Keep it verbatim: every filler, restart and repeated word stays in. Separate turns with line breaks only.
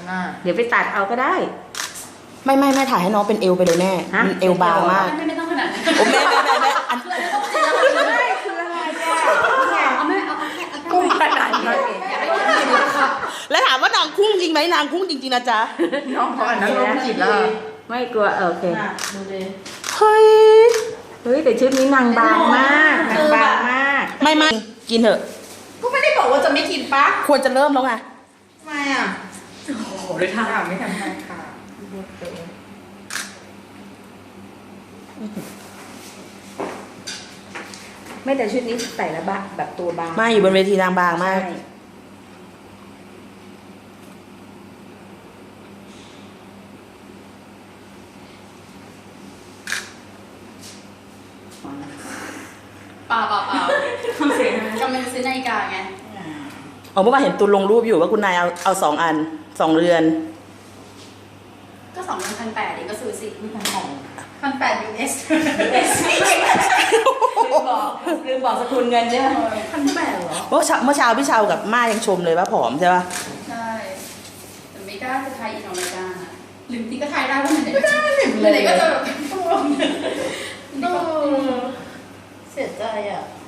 น่ะ
เดี๋ยวไปตัดเอาก็ได้
ไม่ไม่แม่ถ่ายให้น้องเป็นเอวไปเลยแม่
ฮะ
มันเอวบางมาก
ไม่ไม่ต้องขนาดนั้น
โอ้แม่แม่แม่แม่อัน
คืออะไรต้องจริงแล้วคืออะไร
คืออะไรเนี่ย
เอาไม่เอาเอาแค่เอาแค่
กุ้งขนาดนี้
อย่าให้คนอื่นดูค่ะ
แล้วถามว่านางคุ้งจริงไหมนางคุ้งจริงๆนะจ๊ะ
น้องเขาอันนั้นโรคจิตแล้ว
ไม่กลัวโอเค
ดูดิ
เฮ้ย
เฮ้ยแต่ชุดนี้นางบางมากนางบางมาก
ไม่ไม่กินเถอะ
ก็ไม่ได้บอกว่าจะไม่กินปะ
ควรจะเริ่มแล้วไง
ทำไมอ่ะ
โอ้โหด้วยทาง
อ่ะไม่ทำให้ค่ะ
ไม่แต่ชุดนี้ใส่แล้วบะแบบตัวบาง
ไม่อยู่บนเวทีนางบางมาก
ใช่
เปล่าเปล่าเปล่าทำเสียงกำลังจะซื้อนาฬิกาไง
อ๋อเมื่อวานเห็นตุนลงรูปอยู่ว่าคุณนายเอาเอาสองอันสองเรือน
ก็สองพันพันแปดเองก็ซื้อสิไม่พันของ
พันแปดยูเอส
ลืมบอกลืมบอกสกุลเงินใช่ไหม
พันแปดเหรอ
เมื่อเช้าเมื่อเช้าพี่เชากับม่ายังชมเลยว่าผอมใช่ป่ะ
ใช่แต่ไม่กล้าจะทายอินอเมริกาหรือที่ก็ทายได้ว่ามันไหน
ไม่ได้เห็น
มัน
เล
ไหน
ย
ก็
ก็
จะ
จะ
แบบ
เสียใจอ่ะ